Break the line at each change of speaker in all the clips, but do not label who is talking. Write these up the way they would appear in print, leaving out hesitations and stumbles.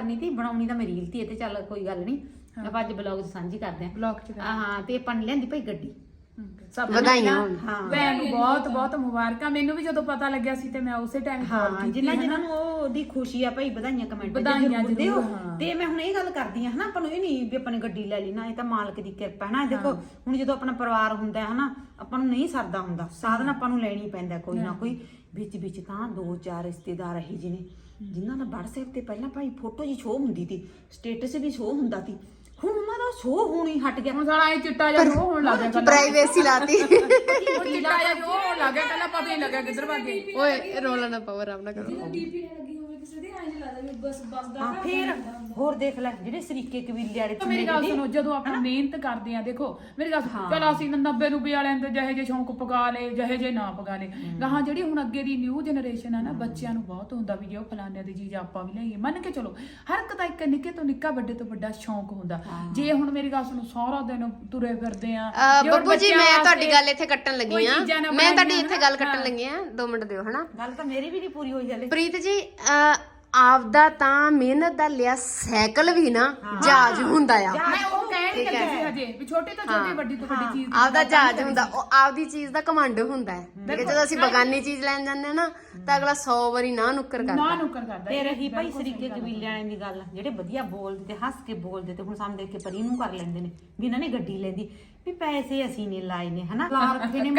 ਕਰਨੀ ਤੀ ਬਣਾਉਣੀ ਤਾਂ ਮੇਰੀ ਰੀਲ ਤੀ, ਇਹ ਤੇ ਚੱਲ ਕੋਈ ਗੱਲ ਨਹੀਂ, ਆਪਾਂ ਅੱਜ ਬਲੌਗ ਸਾਂਝੀ ਕਰਦੇ ਆਂ
ਬਲੌਗ ਚ
ਹਾਂ। ਤੇ ਆਪਾਂ ਨੇ ਲਿਆਂਦੀ ਭਾਈ ਗੱਡੀ,
ਸਭ
ਵਧਾਈਆਂ
ਭੈਣ ਨੂੰ ਬਹੁਤ ਬਹੁਤ ਮੁਬਾਰਕਾਂ। ਮੈਨੂੰ ਵੀ ਜਦੋਂ ਪਤਾ ਲੱਗਿਆ ਸੀ ਤੇ ਮੈਂ ਉਸੇ ਟਾਈਮ ਕਾਲ ਕੀਤੀ।
ਜਿਨ੍ਹਾਂ ਨੂੰ ਉਹਦੀ ਖੁਸ਼ੀ ਆ ਭਾਈ ਵਧਾਈਆਂ ਕਮੈਂਟ
ਵਧਾਈਆਂ
ਦਿਓ। ਤੇ ਮੈਂ ਹੁਣ ਇਹ ਗੱਲ ਕਰਦੀ ਆ ਹਨਾ, ਆਪਾਂ ਨੂੰ ਇਹ ਨਹੀਂ ਵੀ ਆਪਾਂ ਨੇ ਗੱਡੀ ਲੈ ਲਈ ਨਾ, ਇਹ ਤਾਂ ਮਾਲਕ ਦੀ ਕਿਰਪਾ ਹੈ ਨਾ। ਦੇਖੋ ਹੁਣ ਜਦੋਂ ਆਪਣਾ ਪਰਿਵਾਰ ਹੁੰਦਾ ਹੈ ਹਨਾ, ਆਪਾਂ ਨੂੰ ਨਹੀਂ ਸਰਦਾ ਹੁੰਦਾ, ਸਾਧਨ ਆਪਾਂ ਨੂੰ ਲੈਣੀ ਪੈਂਦਾ ਕੋਈ ਨਾ ਕੋਈ। ਵਿੱਚ ਤਾਂ 2-4 ਰਿਸ਼ਤੇਦਾਰ ਇਹੀ ਜਿਹੇ ਨੇ ਜਿਨ੍ਹਾਂ ਦਾ WhatsApp ਤੇ ਪਹਿਲਾਂ ਭਾਈ ਫੋਟੋ ਜੀ ਸ਼ੋਅ ਹੁੰਦੀ ਸੀ, ਸਟੇਟਸ ਵੀ ਸ਼ੋਅ ਹੁੰਦਾ ਸੀ, ਹੁਣ ਉਹਨਾਂ ਦਾ ਸ਼ੋਅ ਹੋਣੀ ਹਟ ਗਿਆ।
ਹੁਣ ਸਾਲਾ ਇਹ ਚਿੱਟਾ ਜਿਹਾ ਸ਼ੋਅ ਹੋਣ ਲੱਗ ਗਿਆ,
ਪ੍ਰਾਈਵੇਸੀ ਲਾਤੀ।
ਉਹ ਚਿੱਟਾ ਜਿਹਾ ਸ਼ੋਅ ਹੋਣ ਲੱਗ ਗਿਆ, ਪਹਿਲਾਂ ਪਤਾ ਹੀ ਲੱਗਿਆ ਕਿੱਧਰ ਭੱਜ ਗਏ।
ਓਏ ਰੋਲਾ ਨਾ ਪਾਵਰ ਆਪ ਨਾ ਕਰੋ।
ਡੀਪੀ ਲੱਗੀ ਹੋਵੇ ਕਿਸੇ ਦੀ ਐਂ ਲੱਗਦਾ ਵੀ ਬਸ ਦਾ
ਹਾਂ ਫੇਰ ਹੋਰ ਦੇਖ ਲੈ ਜਿਹੜੇ ਸਰੀਕੇ ਕਬੀਲੇ ਵਾਲੇ
ਮੇਰੀ ਗੱਲ ਸੁਣੋ, ਜਦੋਂ ਆਪਾਂ ਮਿਹਨਤ ਕਰਦੇ ਆ, ਦੇਖੋ ਮੇਰੀ ਗੱਲ ਚਲ ਅਸੀਂ 90 ਰੁਪਏ ਵਾਲਿਆਂ ਦੇ ਜਿਹੇ ਜੇ ਸ਼ੌਂਕ ਪਕਾ ਲਏ, ਜਿਹੇ ਜੇ ਨਾ ਪਕਾ ਲਏ, ਗਾਹਾਂ ਜਿਹੜੀ ਹੁਣ ਅੱਗੇ ਦੀ ਨਿਊ ਜਨਰੇਸ਼ਨ ਆ ਨਾ, ਬੱਚਿਆਂ ਨੂੰ ਬਹੁਤ ਹੁੰਦਾ ਵੀ ਜੇ ਉਹ ਫਲਾਨਿਆਂ ਦੀ ਚੀਜ਼ ਆਪਾਂ ਵੀ ਲਈਏ। ਮੰਨ ਕੇ ਚਲੋ ਹਰ ਇੱਕ ਦਾ ਇੱਕ ਨਿੱਕੇ ਤੋਂ ਨਿੱਕਾ ਵੱਡੇ ਤੋਂ ਵੱਡਾ ਸ਼ੌਂਕ ਹੁੰਦਾ। ਜੇ ਹੁਣ ਮੇਰੀ ਗੱਲ ਸੁਣੋ ਸਾਰਾ ਦਿਨ ਤੁਰੇ ਫਿਰਦੇ ਆ
ਬੱਬੂ ਜੀ, ਮੈਂ ਤੁਹਾਡੀ ਗੱਲ ਇੱਥੇ ਕੱਟਣ ਲੱਗੀ ਆ, ਮੈਂ ਤੁਹਾਡੀ ਇੱਥੇ ਗੱਲ ਕੱਟਣ ਲੱਗੀ ਆ, 2 ਮਿੰਟ ਦਿਓ ਹਨਾ।
ਗੱਲ ਤਾਂ ਮੇਰੀ ਵੀ ਨਹੀਂ ਪੂਰੀ ਹੋਈ ਹਲੇ।
ਪ੍ਰੀਤ ਜੀ ਆਪਦਾ ਤਾਂ ਮਿਹਨਤ ਦਾ ਲਿਆ ਸਾਈਕਲ ਵੀ ਨਾ ਜਹਾਜ਼ ਹੁੰਦਾ ਆ।
ਮੈਂ ਉਹ ਕਹਿ ਨਹੀਂ ਲੱਗੀ ਸੀ ਹਜੇ ਵੀ ਛੋਟੀ ਤੋਂ ਛੋਟੀ ਵੱਡੀ ਤੋਂ ਵੱਡੀ ਚੀਜ਼
ਆਪਦਾ ਜਹਾਜ਼ ਹੁੰਦਾ, ਉਹ ਆਪਦੀ ਚੀਜ਼ ਦਾ ਕਮਾਂਡ ਹੁੰਦਾ ਹੈ। ਠੀਕ ਹੈ, ਜਦੋਂ ਅਸੀਂ ਬਗਾਨੀ ਚੀਜ਼ ਲੈਣ ਜਾਂਦੇ ਆ ਨਾ ਤਾਂ ਅਗਲਾ 100 ਵਾਰੀ ਨਾ ਨੁੱਕਰ
ਨਾ
ਕਰਦਾ।
ਨੁੱਕਰ ਕਰਦਾ।
ਤੇ ਰਹੀ ਭਾਈ ਸਰੀਕੇ ਕਬੀਲੇ ਵਾਲਿਆਂ ਦੀ ਗੱਲ, ਜਿਹੜੇ ਵਧੀਆ ਬੋਲਦੇ ਤੇ ਹੱਸ ਕੇ ਬੋਲਦੇ ਤੇ ਹੁਣ ਸਾਨੂੰ ਦੇਖ ਕੇ ਪਰੀ ਨੂੰ ਕਰ ਲੈਂਦੇ ਨੇ ਵੀ ਇਹਨਾਂ ਨੇ ਗੱਡੀ ਲੈਂਦੀ, ਵੀ ਪੈਸੇ ਅਸੀਂ ਨੇ ਲਾਏ ਨੇ ਹਨਾ, ਲਾ ਰੱਖੇ ਨੇ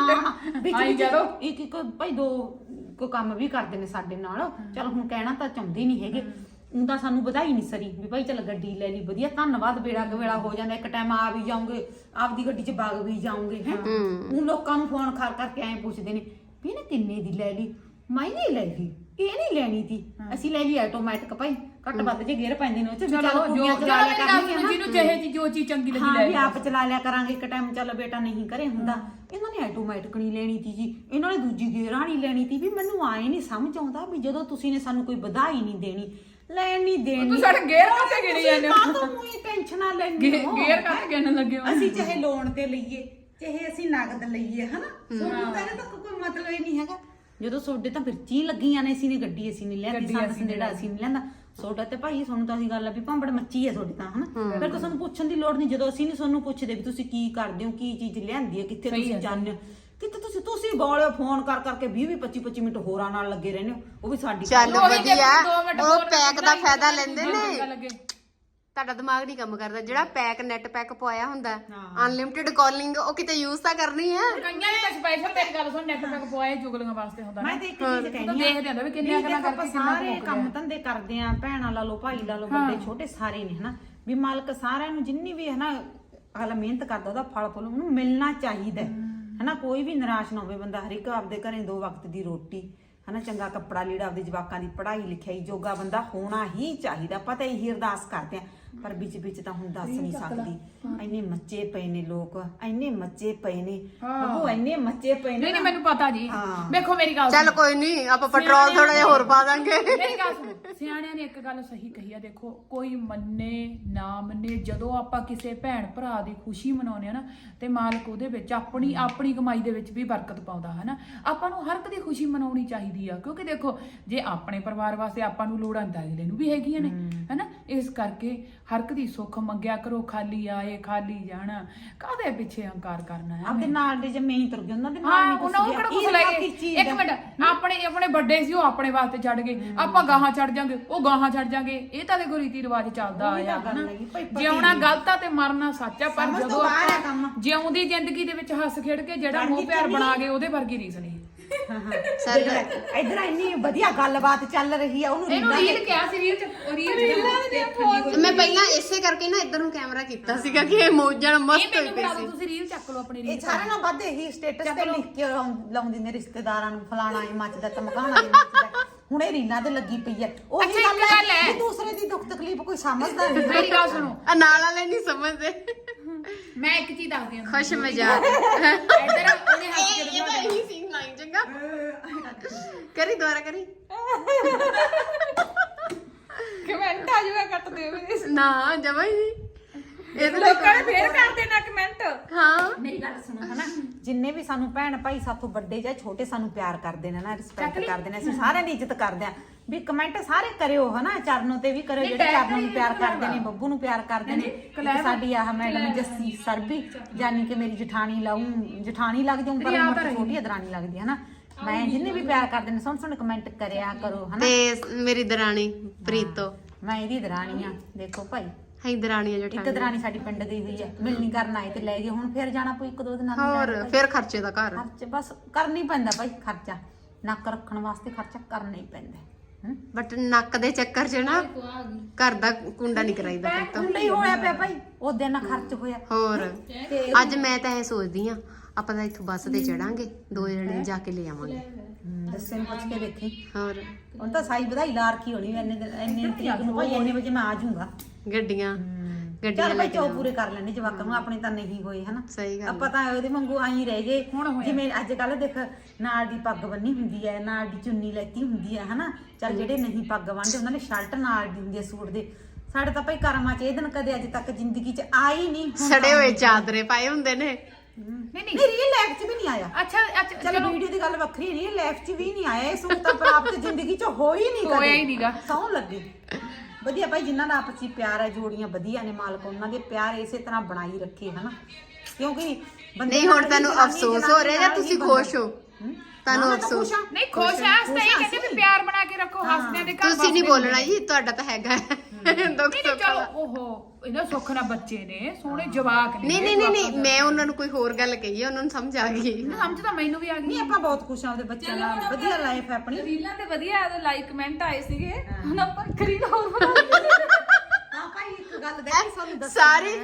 ਇੱਕ ਭਾਈ 2 ਕੋ ਕੰਮ ਵੀ ਕਰਦੇ ਨੇ ਸਾਡੇ ਨਾਲ। ਚਲ ਹੁਣ ਕਹਿਣਾ ਤਾਂ ਚਾਹੁੰਦੇ ਨਹੀਂ ਹੈਗੇ, ਉਹਦਾ ਸਾਨੂੰ ਵਧਾਈ ਨਹੀਂ ਸਰੀ ਵੀ ਭਾਈ ਚਲ ਗੱਡੀ ਲੈ ਲਈ, ਵਧੀਆ ਧੰਨਵਾਦ, ਬੇੜਾ ਕਵੇੜਾ ਹੋ ਜਾਂਦਾ, ਇੱਕ ਟਾਈਮ ਆ ਵੀ ਜਾਓਗੇ, ਆਪਦੀ ਗੱਡੀ 'ਚ ਵਗ ਵੀ ਜਾਓਗੇ ਹੈ। ਹੁਣ ਲੋਕਾਂ ਨੂੰ ਫੋਨ ਕਰ ਕਰਕੇ ਐਂ ਪੁੱਛਦੇ ਨੇ ਵੀ ਇਹਨੇ ਕਿੰਨੇ ਦੀ ਲੈ ਲਈ, ਮੈਂ ਨਹੀਂ ਲੈ ਲਈ, ਇਹ ਨਹੀਂ ਲੈਣੀ ਤੀ, ਅਸੀਂ ਲੈ ਲਈ ਆਟੋਮੈਟਿਕ ਭਾਈ, ਘੱਟ ਵੱਧ ਜੇ ਗੇਅਰ ਪੈਂਦੇ ਨੇ ਉਹ 'ਚ, ਚਲੋ ਕੁੜੀਆਂ ਚਲਾ ਲਿਆ ਕਰਨਗੀਆਂ,
ਜਿਹਨੂੰ ਜਿਹੇ ਜੋ ਚੀਜ਼ ਚੰਗੀ ਲੱਗੀ
ਹਾਂ ਵੀ ਆਪ ਚਲਾ ਲਿਆ ਕਰਾਂਗੇ ਇੱਕ ਟਾਈਮ, ਚੱਲ ਬੇਟਾ ਨਹੀਂ ਕਰੇ ਹੁੰਦਾ। ਇਹਨਾਂ ਨੇ ਆਟੋਮੈਟਿਕ ਨਹੀਂ ਲੈਣੀ ਤੀ ਜੀ, ਇਹਨਾਂ ਨੇ ਦੂਜੀ ਗੇਅਰਾਂ ਨਹੀਂ ਲੈਣੀ ਤੀ। ਵੀ ਮੈਨੂੰ ਆਏ ਨਹੀਂ ਸਮਝ ਆਉਂਦਾ ਵੀ ਜਦੋਂ ਤੁਸੀਂ ਨੇ ਸਾਨੂੰ ਕੋਈ ਵਧਾਈ ਨਹੀਂ ਦੇਣੀ, ਲੈਣ ਨਹੀਂ ਦੇਣੀ,
ਤੂੰ ਸਾਡੇ ਗੇਅਰ ਕਾਹਤੇ ਗਿਣੀ ਜਾਂਦੇ ਹੋ?
ਕਾਹਤੋਂ ਉਹੀ ਟੈਨਸ਼ਨਾਂ ਲੈਂਦੇ ਹੋ?
ਗੇਅਰ ਕਾਹਤੇ ਗਿਣਨ ਲੱਗੇ ਹੋ?
ਅਸੀਂ ਚਾਹੇ ਲੋਨ ਤੇ ਲਈਏ, ਚਾਹੇ ਅਸੀਂ ਨਗਦ ਲਈਏ ਹਨਾ, ਸਾਨੂੰ ਤਾਂ ਇਹਦਾ ਤਾਂ ਕੋਈ ਮਤਲਬ ਹੀ ਨਹੀਂ ਹੈਗਾ। ਜਦੋਂ ਸੋਡੇ ਤਾਂ ਫਿਰਚੀ ਲੱਗੀਆਂ ਨੇ, ਅਸੀਂ ਨੇ ਗੱਡੀ ਅਸੀਂ ਨਹੀਂ ਲਿਆਂਦੀ, ਸੰਦ ਸੰਦੇੜਾ ਅਸੀਂ ਨਹੀਂ ਲਿਆਂਦਾ, ਸੋਡਾ ਤੇ ਭਾਈ ਸਾਨੂੰ ਤਾਂ ਅਸੀਂ ਗੱਲ ਆ ਵੀ ਭਾਂਬੜ ਮੱਚੀ ਹੈ ਤੁਹਾਡੀ ਤਾਂ ਹਨਾ। ਫਿਰ ਤਾਂ ਸਾਨੂੰ ਪੁੱਛਣ ਦੀ ਲੋੜ ਨਹੀਂ, ਜਦੋਂ ਅਸੀਂ ਨਹੀਂ ਸਾਨੂੰ ਪੁੱਛਦੇ ਵੀ ਤੁਸੀਂ ਕੀ ਕਰਦੇ ਹੋ, ਕੀ ਚੀਜ਼ ਲਿਆਂਦੀ ਹੈ, ਕਿੱਥੇ ਤੁਸੀਂ ਜਾਂਦੇ ਹੋ, ਕਿਤੇ ਤੁਸੀਂ ਗੋਲੇ ਫੋਨ ਕਰ ਕਰਕੇ 20-25 ਮਿੰਟ ਹੋਰਾਂ ਨਾਲ ਲੱਗੇ ਰਹਿੰਦੇ ਹੋ, ਉਹ ਵੀ ਸਾਡੀ
ਚੱਲ ਵਧੀਆ, ਉਹ ਪੈਕ ਦਾ ਫਾਇਦਾ ਲੈਂਦੇ ਨੇ। ਤੁਹਾਡਾ ਦਿਮਾਗ ਨਹੀਂ ਕੰਮ ਕਰਦਾ, ਜਿਹੜਾ ਪੈਕ ਨੈਟ ਪੈਕ ਪਵਾਇਆ ਹੁੰਦਾ ਅਨਲਿਮਿਟਿਡ ਕਾਲਿੰਗ, ਉਹ ਕਿਤੇ ਯੂਜ਼ ਤਾਂ ਕਰਨੀ ਹੈ।
ਕਈਆਂ ਨੇ ਤਾਂ ਸਪੈਸ਼ਲ ਤੇਰੀ ਗੱਲ ਸੁਣ, ਨੈਟ ਪੈਕ ਪਵਾਏ ਜੁਗਲੀਆਂ ਵਾਸਤੇ ਹੁੰਦਾ।
ਮੈਂ ਤਾਂ ਇੱਕ ਚੀਜ਼ ਕਹਿੰਦੀ ਆ,
ਦੇਖਦੇ ਹੁੰਦਾ ਵੀ ਕਿੰਨੀਆਂ ਗੱਲਾਂ ਕਰਕੇ
ਸਾਰੇ ਕੰਮ ਧੰਦੇ ਕਰਦੇ ਆ, ਭੈਣਾਂ ਲਾ ਲਓ, ਭਾਈ ਲਾ ਲਓ, ਵੱਡੇ ਛੋਟੇ ਸਾਰੇ ਨੇ ਹਨਾ, ਵੀ ਮਾਲਕ ਸਾਰਿਆਂ ਨੂੰ ਜਿੰਨੀ ਵੀ ਹਨਾ ਅਗਲਾ ਮਿਹਨਤ ਕਰਦਾ ਉਹਦਾ ਫਲ ਫੁੱਲ ਉਹਨੂੰ ਮਿਲਣਾ ਚਾਹੀਦਾ ਹਨਾ। ਕੋਈ ਵੀ ਨਿਰਾਸ਼ ਨਾ ਹੋਵੇ ਬੰਦਾ, ਹਰ ਇੱਕ ਆਪਦੇ ਘਰੇ 2 ਵਕਤ ਦੀ ਰੋਟੀ ਹਨਾ, ਚੰਗਾ ਕੱਪੜਾ ਲੀੜਾ, ਆਪਦੇ ਜਵਾਕਾਂ ਦੀ ਪੜ੍ਹਾਈ ਲਿਖਾਈ ਜੋਗਾ ਬੰਦਾ ਹੋਣਾ ਹੀ ਚਾਹੀਦਾ। ਆਪਾਂ ਤਾਂ ਇਹੀ ਅਰਦਾਸ ਕਰਦੇ ਆ, ਪਰ ਵਿੱਚ ਤਾਂ ਹੁਣ ਦੱਸ ਨਹੀਂ ਸਕਦੀ, ਇੰਨੇ ਮੱਚੇ ਪਏ ਨੇ ਲੋਕ, ਇੰਨੇ ਮੱਚੇ ਪਏ ਨੇ ਉਹ, ਇੰਨੇ ਮੱਚੇ ਪਏ ਨੇ।
ਨਹੀਂ ਮੈਨੂੰ ਪਤਾ ਜੀ, ਵੇਖੋ ਮੇਰੀ ਗੱਲ
ਚੱਲ ਕੋਈ ਨਹੀਂ, ਆਪਾਂ ਪੈਟਰੋਲ ਥੋੜਾ ਜਿਹਾ ਹੋਰ ਪਾ ਦਾਂਗੇ।
ਮੇਰੀ ਗੱਲ ਸੁਣੋ, ਸਿਆਣਿਆਂ ਨੇ ਇੱਕ ਗੱਲ ਸਹੀ ਕਹੀ ਆ, ਦੇਖੋ ਕੋਈ ਮੰਨੇ ਨਾ ਮੰਨੇ, ਜਦੋਂ ਆਪਾਂ ਕਿਸੇ ਭੈਣ ਭਰਾ ਦੀ ਖੁਸ਼ੀ ਮਨਾਉਂਦੇ ਆ ਨਾ, ਤੇ ਮਾਲਕ ਉਹਦੇ ਵਿੱਚ ਆਪਣੀ ਕਮਾਈ ਦੇ ਵਿੱਚ ਵੀ ਬਰਕਤ ਪਾਉਂਦਾ ਹਨਾ। ਆਪਾਂ ਨੂੰ ਹਰ ਇੱਕ ਦੀ ਖੁਸ਼ੀ ਮਨਾਉਣੀ ਚਾਹੀਦੀ ਆ, ਕਿਉਂਕਿ ਦੇਖੋ ਜੇ ਆਪਣੇ ਪਰਿਵਾਰ ਵਾਸਤੇ ਆਪਾਂ ਨੂੰ ਲੋੜਾਂ ਤਾਂ ਅਗਲੇ ਨੂੰ ਵੀ ਹੈਗੀਆਂ ਨੇ ਹਨਾ। ਇਸ ਕਰਕੇ ਹਰ ਇੱਕ ਦੀ ਸੁੱਖ ਮੰਗਿਆ ਕਰੋ, ਖਾਲੀ ਆਏ ਖਾਲੀ ਜਾਣਾ, ਕਾਹਦੇ ਪਿੱਛੇ ਹੰਕਾਰ ਕਰਨਾ ਹੈ।
ਆਪਦੇ ਨਾਲ ਦੇ ਜੰਮੇ ਹੀ ਤੁਰ ਗਏ, ਉਹਨਾਂ ਦੇ ਨਾਲ
ਹਾਂ, ਉਹਨਾਂ ਕਿਹੜਾ ਕੁਛ ਲੈ ਗਏ। ਇੱਕ ਮਿੰਟ, ਆਪਣੇ ਵੱਡੇ ਸੀ ਉਹ ਆਪਣੇ ਵਾਸਤੇ ਛੱਡ ਗਏ, ਆਪਾਂ ਗਾਹਾਂ ਛੱਡ ਜਾਾਂਗੇ, ਉਹ ਗਾਹਾਂ ਛੱਡ ਜਾਾਂਗੇ, ਇਹ ਤਾਂ ਦੇਖੋ ਰੀਤੀ ਰਿਵਾਜ ਚੱਲਦਾ ਆਇਆ ਹਨਾ। ਜਿਉਣਾ ਗਲਤ ਆ ਤੇ ਮਰਨਾ ਸੱਚ ਆ, ਪਰ ਜਦੋਂ ਆਪਾਂ ਜਿਉਂਦੀ ਜ਼ਿੰਦਗੀ ਦੇ ਵਿੱਚ ਹੱਸ ਖੇਡ ਕੇ ਜਿਹੜਾ ਮੋਹ ਪਿਆਰ ਬਣਾ ਗਏ, ਉਹਦੇ ਵਰਗੀ ਰੀਸ ਨਹੀਂ।
ਇਧਰ ਇੰਨੀ ਵਧੀਆ ਗੱਲਬਾਤ ਚੱਲ ਰਹੀ ਆ, ਉਹਨੂੰ
ਰੀਲ ਕਿਹਾ ਸੀ,
ਮੈਂ ਪਹਿਲਾਂ ਇਸੇ ਕਰਕੇ ਨਾ ਇੱਧਰ ਨੂੰ ਕੈਮਰਾ ਕੀਤਾ ਸੀਗਾ ਕਿ ਇਹ ਮੌਜਾਂ ਮਸਤ ਹੋਈ ਪਈ ਸੀ।
ਤੁਸੀਂ ਰੀਲ ਚੱਕ ਲਓ ਆਪਣੀ
ਇਹ ਸਾਰਿਆਂ ਨਾਲ ਵੱਧ ਇਹੀ ਸਟੇਟਸ ਤੇ ਲਿਖ ਕੇ ਲਾਉਂਦੀ ਨੇ ਰਿਸ਼ਤੇਦਾਰਾਂ ਨੂੰ, ਫਲਾਣਾ ਹੀ ਮੱਚਦਾ ਧਮਕਾਣਾ ਹੀ ਮੱਚਦਾ। ਹੁਣ ਇਹ ਰੀਲਾਂ ਤੇ ਲੱਗੀ ਪਈ ਹੈ, ਉਹੀ ਗੱਲ ਹੈ, ਦੂਸਰੇ ਦੀ ਦੁੱਖ ਤਕਲੀਫ ਕੋਈ ਸਮਝਦਾ ਨਹੀਂ।
ਮੇਰੀ ਗੱਲ ਸੁਣੋ,
ਨਾਲ ਵਾਲੇ ਨਹੀਂ ਸਮਝਦੇ।
ਮੈਂ ਇੱਕ ਚੀਜ਼ ਦੱਸਦੀ ਹਾਂ,
ਖੁਸ਼ ਮਜ਼ਾਕ
ਇੱਧਰ ਉਹਨੇ ਹੱਸ ਕੇ
ਇਹਦਾ ਇਹੀ ਸੀਨ ਲਾਈਨ ਚੰਗਾ ਕਰੀ, ਦੁਬਾਰਾ ਕਰੀ।
ਕਮੈਂਟ ਆ ਜਾਵੇ ਕੱਟ ਦਿਓ
ਨਾ ਜਮਾ ਹੀ ਨਹੀਂ, ਇਹ ਤਾਂ
ਲੋਕਾਂ ਨੇ ਫੇਰ ਕਰ ਦੇਣਾ ਕਮੈਂਟ।
ਹਾਂ
ਮੇਰੀ ਗੱਲ ਸੁਣੋ ਹਨਾ, ਜਿੰਨੇ ਵੀ ਸਾਨੂੰ ਭੈਣ ਭਾਈ ਸਾਥੋਂ ਵੱਡੇ ਜਾਂ ਛੋਟੇ ਸਾਨੂੰ ਪਿਆਰ ਕਰਦੇ ਨੇ ਨਾ, ਰਿਸਪੈਕਟ ਕਰਦੇ ਨੇ, ਅਸੀਂ ਸਾਰਿਆਂ ਦੀ ਇੱਜ਼ਤ ਕਰਦੇ ਆ, ਵੀ ਕਮੈਂਟ ਸਾਰੇ ਕਰਿਓ ਹਨਾ, ਚਰਨੋਂ ਤੇ ਵੀ ਕਰਿਓ, ਜਿਹੜੇ ਚਰਨੋਂ ਨੂੰ ਪਿਆਰ ਕਰਦੇ ਨੇ, ਬੱਬੂ ਨੂੰ ਪਿਆਰ ਕਰਦੇ ਨੇ। ਇੱਕ ਸਾਡੀ ਆਹ ਮੈਡਮ ਜੱਸੀ ਸਰਬੀ, ਜਾਨੀ ਕਿ ਮੇਰੀ ਜਠਾਣੀ ਜਠਾਣੀ ਲੱਗ ਜਾਊਂ, ਪਰ ਉਮਰ ਚ ਛੋਟੀ ਦਰਾਣੀ ਲੱਗਦੀ ਹੈ ਨਾ। ਮੈਂ ਜਿੰਨੇ ਵੀ ਪਿਆਰ ਕਰਦੇ ਨੇ ਸੋਹਣੇ ਕਮੈਂਟ ਕਰਿਆ ਕਰੋ ਹਨਾ।
ਤੇ ਮੇਰੀ ਦਰਾਣੀ ਪ੍ਰੀਤੋ,
ਮੈਂ ਇਹਦੀ ਦਰਾਣੀ ਆ, ਦੇਖੋ ਭਾਈ
ਹੈ ਦਰਾਣੀ
ਇੱਕ ਦਰਾਣੀ ਸਾਡੀ ਪਿੰਡ ਦੀ ਹੋਈ ਹੈ, ਮਿਲਣੀ ਕਰਨ ਆਏ ਤੇ ਲੈ ਗਏ, ਹੁਣ ਫਿਰ ਜਾਣਾ ਪਊ 1-2 ਦਿਨਾਂ ਨੂੰ।
ਹੋਰ ਫਿਰ ਖਰਚੇ ਦਾ ਘਰ
ਖਰਚ ਬਸ ਕਰਨਾ ਹੀ ਪੈਂਦਾ ਭਾਈ, ਖਰਚਾ ਨੱਕ ਰੱਖਣ ਵਾਸਤੇ ਖਰਚਾ ਕਰਨਾ ਹੀ ਪੈਂਦਾ।
ਬਟ ਨੱਕ ਦੇ ਚੱਕਰ 'ਚ ਨਾ ਘਰ ਦਾ ਕੁੰਡਾ ਨਹੀਂ ਕਰਾਈਦਾ ਫਿਰ ਤਾਂ।
ਕੁੰਡਾ ਹੀ ਹੋਇਆ ਪਿਆ ਭਾਈ, ਉਹ ਦਿਨ ਖਰਚ ਹੋਇਆ।
ਹੋਰ ਅੱਜ ਮੈਂ ਤਾਂ ਇਹ ਸੋਚਦੀ ਆ ਆਪਾਂ ਤਾਂ ਇੱਥੋਂ ਬੱਸ ਤੇ ਚੜਾਂਗੇ, 2 ਜਣੇ ਜਾ ਕੇ ਲੈ ਆਵਾਂਗੇ।
ਦੱਸੇ ਨੂੰ ਪੁੱਛ ਕੇ ਦੇਖੀ,
ਹੋਰ
ਹੁਣ ਤਾਂ ਸਾਈ ਵਧਾਈ ਲਾ ਰੱਖੀ ਹੋਣੀ ਇੰਨੇ ਤਰੀਕ ਨੂੰ ਭਾਈ, ਇੰਨੇ ਵਜੇ ਮੈਂ ਆ ਜਾਊਂਗਾ।
ਗੱਡੀਆਂ
ਚੱਲ ਭਾਈ ਚੋ ਪੂਰੇ ਕਰ ਲੈਣੇ ਜਵਾਕਾਂ ਨੂੰ, ਆਪਣੇ ਤਾਂ ਨਹੀਂ ਹੋਏ ਹਨਾ।
ਸਹੀ ਗੱਲ
ਆਪਾਂ ਤਾਂ ਉਹਦੇ ਵਾਂਗੂ ਆਈ ਰਹਿ ਗਏ, ਜਿਵੇਂ ਅੱਜ ਕੱਲ ਦੇਖ ਨਾਲ ਦੀ ਪੱਗ ਬੰਨੀ ਹੁੰਦੀ ਹੈ, ਨਾਲ ਦੀ ਚੁੰਨੀ ਲੈਤੀ ਹੁੰਦੀ ਹੈ ਹਨਾ। ਚੱਲ ਜਿਹੜੇ ਨਹੀਂ ਪੱਗ ਬੰਨਦੇ ਉਹਨਾਂ ਨੇ ਸ਼ਰਟ ਨਾਲ ਦੀ ਹੁੰਦੀ ਹੈ ਸੂਟ ਦੇ। ਸਾਡੇ ਤਾਂ ਭਾਈ ਕਰਮਾਂ 'ਚ ਇਹ ਦਿਨ ਕਦੇ ਅੱਜ ਤੱਕ ਜ਼ਿੰਦਗੀ 'ਚ ਆਈ ਨਹੀਂ।
ਸੜੇ ਹੋਏ ਚਾਦਰੇ ਪਾਏ ਹੁੰਦੇ ਨੇ।
ਨਹੀਂ ਰੀਅਲ ਲਾਈਫ 'ਚ ਵੀ ਨਹੀਂ ਆਇਆ।
ਅੱਛਾ
ਚਲੋ ਵੀਡੀਓ ਦੀ ਗੱਲ ਵੱਖਰੀ, ਰੀਅਲ ਲਾਈਫ 'ਚ ਵੀ ਨਹੀਂ ਆਇਆ ਇਹ ਸੂਟ ਤਾਂ, ਪ੍ਰਾਪਤ ਜ਼ਿੰਦਗੀ 'ਚ ਹੋਈ ਨਹੀਂ ਕਦੇ,
ਹੋਇਆ ਹੀ ਨਹੀਂਗਾ।
ਸੌਂ ਲੱਗੇ ਵਧੀਆ ਭਾਈ, ਜਿਨ੍ਹਾਂ ਦਾ ਆਪਸੀ ਪਿਆਰ ਹੈ, ਜੋੜੀਆਂ ਵਧੀਆ ਨੇ, ਮਾਲਕ ਉਹਨਾਂ ਦੇ ਪਿਆਰ ਇਸੇ ਤਰ੍ਹਾਂ ਬਣਾਈ ਰੱਖੇ ਹਨਾ। ਕਿਉਂਕਿ ਬੰਦੇ
ਨਹੀਂ ਹੁਣ ਤੈਨੂੰ ਅਫਸੋਸ ਹੋ ਰਿਹਾ ਜਾਂ ਤੁਸੀਂ ਖੁਸ਼ ਹੋ? ਤੁਹਾਨੂੰ ਅਫਸੋਸ?
ਨਹੀਂ ਖੁਸ਼ ਆ, ਸਹੀ ਕਹਿੰਦੇ ਵੀ ਪਿਆਰ ਬਣਾ ਕੇ ਰੱਖੋ, ਹੱਸਦੇ ਦੇ ਘਰ
ਤੁਸੀਂ ਨਹੀਂ ਬੋਲਣਾ ਜੀ, ਤੁਹਾਡਾ ਤਾਂ ਹੈਗਾ ਦੁੱਖ ਸੁੱਖ
ਚਲੋ।
ਦਾ।
ਓਹੋ ਇਹਨਾਂ ਸੁੱਖ ਨਾਲ ਬੱਚੇ ਨੇ, ਸੋਹਣੇ ਜਵਾਕ ਨੇ।
ਨਹੀਂ ਮੈਂ ਉਹਨਾਂ ਨੂੰ ਕੋਈ ਹੋਰ ਗੱਲ ਕਹੀ ਹੈ, ਉਹਨਾਂ ਨੂੰ ਸਮਝ ਆ ਗਈ।
ਸਮਝ ਤਾਂ ਮੈਨੂੰ ਵੀ ਆ ਗਈ।
ਨਹੀਂ ਆਪਾਂ ਬਹੁਤ ਖੁਸ਼ ਹਾਂ ਉਹਦੇ ਬੱਚਿਆਂ ਨਾਲ, ਵਧੀਆ ਲਾਈਫ ਹੈ ਆਪਣੀ।
ਰੀਲਾਂ ਤੇ ਵਧੀਆ ਲਾਈਕ ਕਮੈਂਟ ਆਏ ਸੀਗੇ, ਹੁਣ ਆਪਾਂ ਰੀਲ ਹੋਰ ਬਣਾ
ਹਾਂ ਭਾਈ ਇੱਕ ਗੱਲ ਦੇਖੀ ਸਾਨੂੰ ਦੱਸ,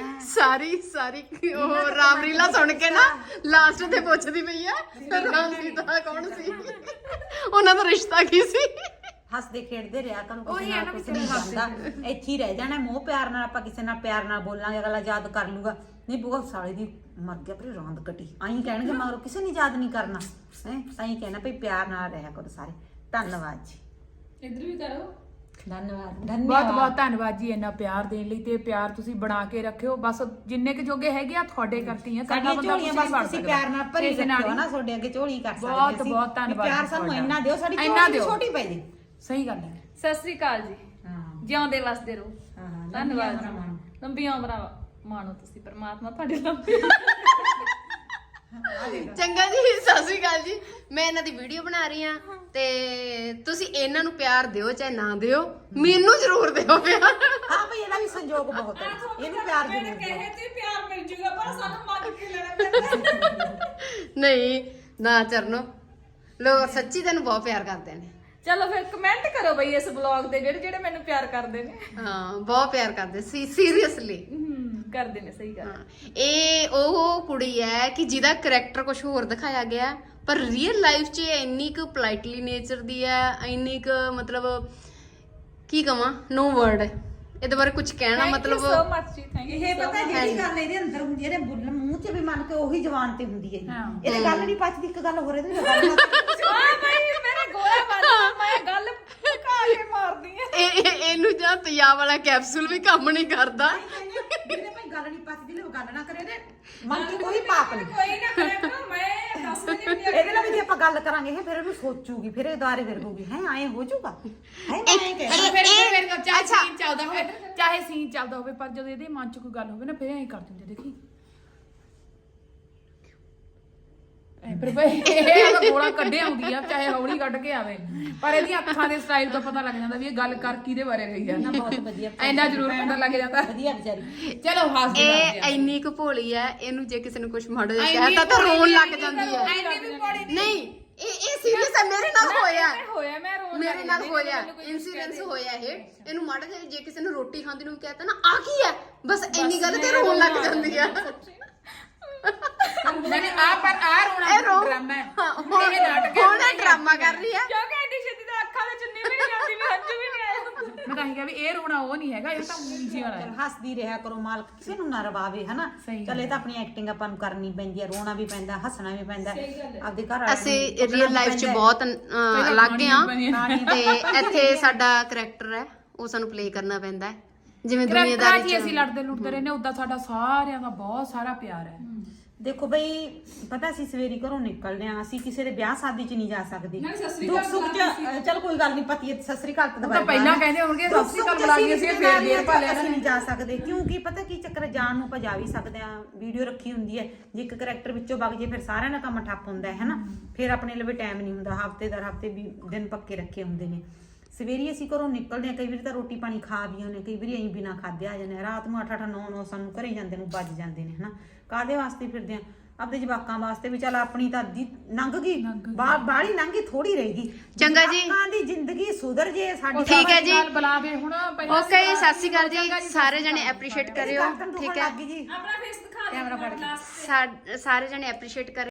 ਸਾਰੀ ਉਹ ਰਾਮਲੀਲਾ ਸੁਣ ਕੇ ਨਾ ਲਾਸਟ ਤੇ ਪੁੱਛਦੀ ਪਈ ਆ ਰਾਮ ਸੀਤਾ ਕੌਣ ਸੀ, ਉਹਨਾਂ ਦਾ ਰਿਸ਼ਤਾ ਕੀ ਸੀ।
ਹੱਸਦੇ ਖੇਡਦੇ ਰਿਹਾ ਕਰੋ, ਕਿਸੇ ਨਾਲ ਕੁਝ ਨਹੀਂ ਜਾਂਦਾ, ਇੱਥੇ ਹੀ ਰਹਿ ਜਾਣਾ ਮੋਹ ਪਿਆਰ ਨਾਲ। ਆਪਾਂ ਕਿਸੇ ਨਾਲ ਪਿਆਰ ਨਾਲ ਬੋਲਾਂਗੇ, ਅਗਲਾ ਯਾਦ ਕਰ ਲੂਗਾ। ਨਹੀਂ ਬੂਆ ਸਾਲੇ ਦੀ ਮਰ ਗਿਆ ਪਰ ਰੌਂਦ ਕੱਟੀ ਆਈ ਕਹਿਣਗੇ, ਮਗਰੋਂ ਕਿਸੇ ਨੇ ਯਾਦ ਨਹੀਂ ਕਰਨਾ ਹੈ। ਤਾਂ ਹੀ ਕਹਿਣਾ ਭਈ ਪਿਆਰ ਨਾਲ ਰਹਿਆ ਕਰੋ ਸਾਰੇ। ਧੰਨਵਾਦ ਜੀ,
ਇੱਧਰ ਵੀ ਕਰੋ।
ਧੰਨਵਾਦ
ਬਹੁਤ ਧੰਨਵਾਦ ਜੀ ਇੰਨਾ ਪਿਆਰ ਦੇਣ ਲਈ, ਤੇ ਪਿਆਰ ਤੁਸੀਂ ਬਣਾ ਕੇ ਰੱਖਿਓ। ਬਸ ਜਿੰਨੇ ਕੁ ਜੋਗੇ ਹੈਗੇ ਆ ਤੁਹਾਡੇ ਕਰਕੇ ਹੀ ਆ,
ਸਾਡੀਆਂ ਝੋਲੀਆਂ ਬਸ ਤੁਸੀਂ ਪਿਆਰ ਨਾਲ ਭਰੀ ਰੱਖਿਓ ਨਾ, ਤੁਹਾਡੇ ਅੱਗੇ ਝੋਲੀ ਕਰ ਸਕਦੇ ਅਸੀਂ।
ਬਹੁਤ ਧੰਨਵਾਦ।
ਪਿਆਰ ਸਾਨੂੰ ਇੰਨਾ ਦਿਓ, ਸਾਡੀ
ਇੰਨਾ
ਝੋਲੀ
ਦਿਓ।
ਛੋਟੀ ਪੈ ਜੇ।
ਸਹੀ ਗੱਲ ਹੈ।
ਸਤਿ ਸ੍ਰੀ ਅਕਾਲ ਜੀ,
ਹਾਂ
ਜਿਉਂਦੇ ਵਸਦੇ ਰਹੋ।
ਹਾਂ
ਧੰਨਵਾਦ ਜੀ, ਲੰਬੀਆਂ ਉਮਰਾਂ ਮਾਣੋ ਤੁਸੀਂ, ਪਰਮਾਤਮਾ ਤੁਹਾਡੇ ਲੰਬੀ
ਚੰਗਾ ਜੀ, ਸਤਿ ਸ਼੍ਰੀ ਅਕਾਲ ਜੀ। ਮੈਂ ਇਹਨਾਂ ਦੀ ਵੀਡੀਓ ਬਣਾ ਰਹੀ ਆ ਤੇ ਤੁਸੀਂ ਇਹਨਾਂ ਨੂੰ ਪਿਆਰ ਦਿਓ ਚਾਹੇ ਨਾ ਦਿਓ, ਮੈਨੂੰ ਜ਼ਰੂਰ ਦਿਓ ਪਿਆਰ।
ਹਾਂ ਭਈ ਇਹਦਾ ਵੀ ਸੰਜੋਗ ਬਹੁਤ ਹੈ, ਇਹਨੂੰ ਪਿਆਰ ਜ਼ਰੂਰ ਦਿਓ।
ਕਹੇ ਤੇ ਪਿਆਰ ਮਿਲ ਜੂਗਾ, ਪਰ ਸਾਨੂੰ ਮੰਗ ਕੇ ਲੈਣਾ ਪੈਂਦਾ।
ਨਹੀਂ ਨਾ ਚਰਨੋ, ਲੋਕ ਸੱਚੀ ਤੈਨੂੰ ਬਹੁਤ ਪਿਆਰ ਕਰਦੇ ਨੇ।
ਚਲੋ ਫਿਰ ਕਮੈਂਟ ਕਰੋ ਬਈ ਇਸ ਵਲੌਗ ਦੇ, ਜਿਹੜੇ ਮੈਨੂੰ ਪਿਆਰ ਕਰਦੇ ਨੇ।
ਹਾਂ ਬਹੁਤ ਪਿਆਰ ਕਰਦੇ ਸੀ, ਸੀਰੀਅਸਲੀ
ਕਰਦੇ ਨੇ, ਸਹੀ ਗੱਲ।
ਇਹ ਉਹ ਕੁੜੀ ਹੈ ਕਿ ਜਿਹਦਾ ਕਰੈਕਟਰ ਕੁਝ ਹੋਰ ਦਿਖਾਇਆ ਗਿਆ, ਪਰ ਰੀਅਲ ਲਾਈਫ 'ਚ ਇੰਨੀ ਕੁ ਪੋਲਾਈਟਲੀ ਨੇਚਰ ਦੀ ਹੈ, ਇੰਨੀ ਕੁ ਮਤਲਬ ਕੀ ਕਵਾਂ, ਨੋ ਵਰਡ ਇਹਦੇ ਬਾਰੇ ਕੁਝ ਕਹਿਣਾ। ਮਤਲਬ
ਸੋ ਮਚ ਜੀ, ਥੈਂਕ ਯੂ।
ਇਹ ਪਤਾ ਜਿਹੜੀ ਗੱਲ ਇਹਦੇ ਅੰਦਰ ਹੁੰਦੀ ਹੈ, ਇਹਦੇ ਬੁੱਲ ਮੂੰਹ 'ਚ ਵੀ ਮੰਨ ਕੇ ਉਹੀ ਜ਼ਬਾਨ ਤੇ ਹੁੰਦੀ ਹੈ। ਇਹਦੇ ਗੱਲ ਨਹੀਂ ਪਚਦੀ, ਇੱਕ ਗੱਲ ਹੋ ਰਹੀ ਤੇ ਗੱਲ ਨਾ
ਆ ਬਈ ਮੇਰਾ ਗੋਲਾ ਬੰਦਾ, ਮੈਂ ਗੱਲ ਘਾ ਕੇ ਮਾਰਦੀ ਆ।
ਇਹਨੂੰ ਜਾਂ ਤਿਆ ਵਾਲਾ ਕੈਪਸੂਲ ਵੀ ਕੰਮ ਨਹੀਂ ਕਰਦਾ।
ਜਿਹਨੇ ਭਾਈ ਗੱਲ ਨਹੀਂ ਪਚਦੀ ਲੈ ਗੱਲ ਨਾ ਕਰੇ, ਇਹਦੇ ਮਨ 'ਚ ਕੋਈ ਪਾਪ ਨਹੀਂ।
ਕੋਈ ਨਾ ਕਰੇ ਕਰੋ, ਮੈਂ 10 ਵਜੇ ਵੀ
ਇਹਦੇ ਨਾਲ ਵੀ ਜੇ ਆਪਾਂ ਗੱਲ ਕਰਾਂਗੇ ਇਹ ਫਿਰ ਇਹਨੂੰ ਸੋਚੂਗੀ, ਫਿਰ ਇਹ ਦੁਆਰੇ ਫਿਰ ਕਹੂਗੀ ਹੈ ਐਂ ਹੋ ਜਾਊਗਾ, ਹੈ ਮੈਂ ਐਂ ਕਹਿ
ਫਿਰ ਚਾਹੇ ਸੀਨ ਚੱਲਦਾ ਹੋਵੇ, ਚਾਹੇ ਸੀਨ ਚੱਲਦਾ ਹੋਵੇ, ਪਰ ਜਦੋਂ ਇਹਦੇ ਮਨ 'ਚ ਕੋਈ ਗੱਲ ਹੋਵੇ ਨਾ, ਫਿਰ ਐਂ ਕਰ ਦਿੰਦੇ। ਦੇਖੀ ਪਰ ਬਈ ਇਹ ਗੋਲਾ ਕੱਢੇ ਆਉਂਦੀ ਆ, ਚਾਹੇ ਹੌਲੀ ਕੱਢ ਕੇ ਆਵੇ, ਪਰ ਇਹਦੀਆਂ ਅੱਖਾਂ ਦੇ ਸਟਾਈਲ ਤੋਂ ਪਤਾ ਲੱਗ ਜਾਂਦਾ ਵੀ ਇਹ ਗੱਲ ਕਰ ਕਿਹਦੇ ਬਾਰੇ ਰਹੀ ਆ।
ਬਹੁਤ ਵਧੀਆ,
ਇੰਨਾ ਜ਼ਰੂਰ ਪਤਾ ਲੱਗ ਜਾਂਦਾ।
ਵਧੀਆ ਵਿਚਾਰੀ।
ਚਲੋ ਹੱਸਦੇ
ਇਹ ਇੰਨੀ ਕੁ ਭੋਲੀ ਹੈ, ਇਹਨੂੰ ਜੇ ਕਿਸੇ ਨੂੰ ਕੁਝ ਮਾੜਾ ਜਿਹਾ ਕਹਿਤਾ ਤਾਂ ਰੋਣ ਲੱਗ ਜਾਂਦੀ ਹੈ। ਨਹੀਂ ਇਹ ਸੀਰੀਅਸ ਹੈ, ਮੇਰੇ ਨਾਲ ਹੋਇਆ,
ਮੈਂ ਰੋਣ
ਮੇਰੇ ਨਾਲ ਹੋਇਆ ਇਨਸੀਡੈਂਸ ਹੋਇਆ ਇਹ। ਇਹਨੂੰ ਮਾੜਾ ਜਿਹਾ ਜੇ ਕਿਸੇ ਨੂੰ ਰੋਟੀ ਖਾਂਦੀ ਨੂੰ ਕਹਿਤਾ ਨਾ ਆ ਕੀ ਹੈ, ਬਸ ਇੰਨੀ ਗੱਲ ਤੇ ਰੋਣ ਲੱਗ ਜਾਂਦੀ ਆ।
ਨਹੀਂ ਆ ਪਰ ਆ ਰੋਣਾ ਡਰਾਮਾ ਹੈ, ਇਹ ਨਾਟਕ ਹੈ।
ਹੁਣ ਡਰਾਮਾ ਕਰ ਰਹੀ ਹੈ
ਕਿਉਂਕਿ ਐਡੀ ਛੇਤੀ ਤਾਂ ਅੱਖਾਂ ਵਿੱਚ ਚੁੰਨੀ ਵੀ ਨਹੀਂ ਜਾਂਦੀ, ਵੀ ਹੰਝੂ ਵੀ ਨਹੀਂ ਆਏ।
ਮੈਂ ਤਾਂ ਕਿਹਾ ਵੀ ਇਹ ਰੋਣਾ ਉਹ ਨਹੀਂ ਹੈਗਾ, ਇਹ ਤਾਂ ਨੀਚੇ ਵਾਲਾ ਹੈ।
ਹੱਸਦੀ ਰਿਹਾ ਕਰੋ, ਮਾਲਕ ਕਿਸੇ ਨੂੰ ਨਾ ਰਵਾਵੇ ਹਨਾ। ਚੱਲ ਇਹ ਤਾਂ ਆਪਣੀ ਐਕਟਿੰਗ ਆਪਾਂ ਨੂੰ ਕਰਨੀ ਪੈਂਦੀ ਹੈ, ਰੋਣਾ ਵੀ ਪੈਂਦਾ, ਹੱਸਣਾ ਵੀ ਪੈਂਦਾ ਆਪਦੇ ਘਰ ਵਾਲਿਆਂ ਨੂੰ।
ਅਸੀਂ ਰੀਅਲ ਲਾਈਫ 'ਚ ਬਹੁਤ ਅਲੱਗ ਆ, ਤੇ ਇੱਥੇ ਸਾਡਾ ਕਰੈਕਟਰ ਹੈ ਉਹ ਸਾਨੂੰ ਪਲੇ ਕਰਨਾ ਪੈਂਦਾ ਹੈ। ਜਿਵੇਂ ਦੁਨੀਆਦਾਰੀ 'ਚ
ਅਸੀਂ ਲੜਦੇ ਲੁੜਦੇ ਰਹਿੰਦੇ, ਉਦਾਂ ਸਾਡਾ ਸਾਰਿਆਂ ਦਾ ਬਹੁਤ ਸਾਰਾ ਪਿਆਰ ਹੈ।
ਦੇਖੋ ਬਈ ਪਤਾ ਅਸੀਂ ਸਵੇਰੀ ਘਰੋਂ ਨਿਕਲਦੇ ਆ, ਅਸੀਂ ਕਿਸੇ ਦੇ ਵਿਆਹ ਸ਼ਾਦੀ 'ਚ ਨਹੀਂ ਜਾ ਸਕਦੇ।
ਨਾਲੇ ਸਤਿ ਸ੍ਰੀ
ਦੁੱਖ
ਅਕਾਲ
ਸੁੱਖ 'ਚ ਚਲ ਕੋਈ ਗੱਲ ਨਹੀਂ, ਪਤੀ ਸਤਿ ਸ੍ਰੀ ਅਕਾਲ ਤਾਂ
ਤਾਂ ਪਹਿਲਾਂ ਕਹਿੰਦੇ ਹੋਣਗੇ ਸਤਿ ਸ੍ਰੀ ਅਕਾਲ ਬੁਲਾ ਕੇ ਅਸੀਂ ਫੇਰ ਦੇਰ ਪਾ ਲੈਣਾ।
ਅਸੀਂ ਨਹੀਂ ਜਾ ਸਕਦੇ ਕਿਉਂਕਿ ਪਤਾ ਕੀ ਚੱਕਰ ਹੈ, ਜਾਣ ਨੂੰ ਆਪਾਂ ਜਾ ਵੀ ਸਕਦੇ ਆ, ਵੀਡੀਓ ਰੱਖੀ ਹੁੰਦੀ ਹੈ, ਜੇ ਇੱਕ ਕਰੈਕਟਰ ਵਿੱਚੋਂ ਵਗ ਜੇ ਫਿਰ ਸਾਰਿਆਂ ਦਾ ਕੰਮ ਠੱਪ ਹੁੰਦਾ ਹੈ ਨਾ, ਫਿਰ ਆਪਣੇ ਲਈ ਟਾਈਮ ਨਹੀਂ ਹੁੰਦਾ, ਹਫਤੇ ਵੀ ਦਿਨ ਪੱਕੇ ਰੱਖੇ ਹੁੰਦੇ ਨੇ। ਸਵੇਰੀ ਅਸੀਂ ਘਰੋਂ ਨਿਕਲਦੇ ਆ, ਕਈ ਵਾਰੀ ਤਾਂ ਰੋਟੀ ਪਾਣੀ ਖਾ ਵੀ ਆਉਂਦੇ, ਕਈ ਵਾਰੀ ਅਸੀਂ ਬਿਨਾਂ ਖਾਧੇ ਆ ਜਾਂਦੇ, ਰਾਤ ਨੂੰ 8-8 9-9 ਸਾਨੂੰ ਘਰੇ ਜਾਂਦੇ ਨੂੰ ਵੱਜ ਜਾਂਦੇ ਨੇ ਹਨਾ। ਕਾਹਦੇ ਵਾਸਤੇ ਫਿਰਦੇ ਆ? ਆਪਦੇ ਜਵਾਕਾਂ ਵਾਸਤੇ ਵੀ। ਚੱਲ ਆਪਣੀ ਤਾਂ ਅੱਧੀ ਲੰਘ ਗਈ, ਬਾਹਲੀ ਲੰਘ ਗਈ, ਥੋੜੀ ਰਹਿ ਗਈ।
ਚੰਗਾ ਜੀ,
ਜਵਾਕਾਂ ਦੀ ਜ਼ਿੰਦਗੀ ਸੁਧਰ ਜੇ ਸਾਡੀ।
ਠੀਕ ਹੈ ਜੀ,
ਬੁਲਾਵੇ ਹੁਣ ਪਹਿਲਾਂ
ਓਕੇ, ਸਤਿ ਸ਼੍ਰੀ ਅਕਾਲ ਜੀ। ਸਾਰੇ ਜਣੇ ਐਪਰੀਸ਼ੀਏਟ ਕਰਿਓ, ਠੀਕ ਹੈ
ਜੀ
ਆਪਣਾ ਫੇਸ ਦਿਖਾ ਦੇ
ਕੈਮਰਾ ਫੜ ਕੇ।
ਸਾਰੇ ਜਣੇ ਐਪਰੀਸ਼ੀਏਟ ਕਰਿਓ।